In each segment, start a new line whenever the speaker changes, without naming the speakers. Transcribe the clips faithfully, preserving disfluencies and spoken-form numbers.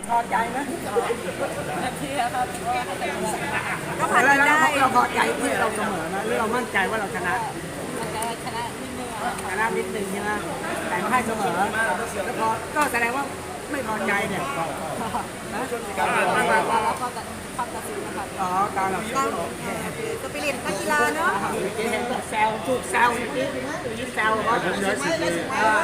พอใจไหม
ที่ครับก็
ก็
ผ่าน
แล้ว
ได้
เราพอใจที่เราเสมอนะหรือเรามั่นใจว่าเราชนะ
มันจะชนะนิดนึงครับ
ชนะนิดนึงใช่ไหมแต่ก็ให้เสมอแล้วพอก็แสดงว่าไม่พอใจเนี่ยนะ
แล้วก็ความตัดสินนะครับ
อ๋อการเรา
เราสปิริตนักกีฬาเนาะ
เมื่อกี้เห็นแซวถูกแซวเมื่อกี้ยิ้มแซวว่าผมย้ายสิทธิ์เลย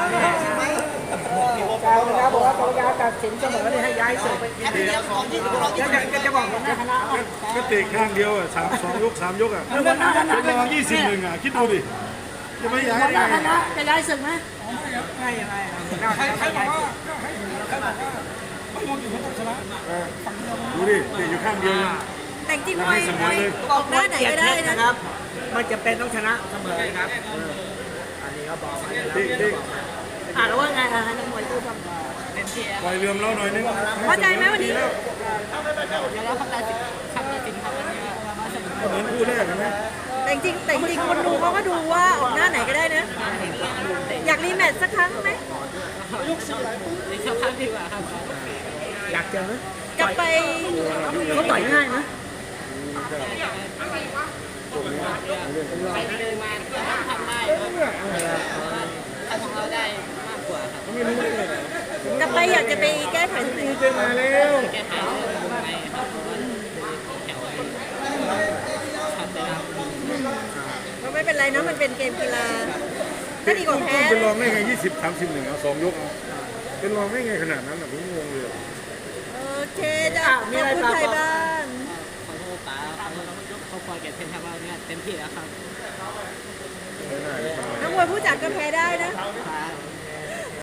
แซวนะครับบอกว่ากรรมการตัดสินเสมอเนี่ยให้ย้ายสิทธิ์แล้วจะจะบอกผมนะคณะ
ก็เตะข้างเดียวอ่ะสามสองยกสามยกอ่ะ
คือวันหน้าคณะ
เป็นรองยี่สิบหนึ่งอ่ะคิดดูดิจะไม่ย้าย
วันห
ได้
น้า
ไง
คณะจะย้ายศึกไหมไม่ไม่ไม่ใครบอกว่า
ดูดิเตะอยู่ข้างเดียวยัง
แต่จริงมวยมวยออกหน้าไหนก็ได้นะ
นะครับ มันจะเป็นต้องชนะเสมอครับอันนี้เขาบอกมาแล้ว
เตะเตะ
อ่ะแล้วว่าไงอ่ะให้นักมวยพูดครับ
เป็นเทีย
ปล่อยเรือมเราหน่อยนึง
พอใจไหมวันนี้
แล้ว
แล้วคำตัดสินคำตัดสินครับวันนี้ว่าเสมอ
เหมือนคู่แรกนะ
แต่จริงแต่จริงคนดูเขาก็ดูว่าออกหน้าไหนก็ได้นะ อยากรีแมตช์สักครั้งไหมสักครั้งดีกว่าครับ
อยากเจอไหม
กลับไป
เขาต่อยง่ายไหม
ไปเดินมาทำได้ทำของเราได้มากกว่าครับ
ไม่รู้เลย
กลับไปอยากจะไปแก้ไขตรงไหน
เจอมาแล้ว
แก้ไขเรื่องวงในครับเพราะว่าแถวชัดเลยครับก็ไม่เป็นไรนะมันเป็นเกมกีฬาก็ดีกว่าแพ้
เป็นรองได้ไงยี่สิบสามสิบหนึ่งเอาสองยกเอาเป็นรองได้ไงขนาดนั้นอ่ะผมงงเลย
โอเคจ้ะขอบคุณไทยบ้านขอโทษป๋าขอโทษน้องยกเขาปล่อยแกเต็มที่แล้วเนี่ยเต็มที่แล้วครับ
ไม่ได้
นักมวยผู้จัดก็แพ้ได้นะครับ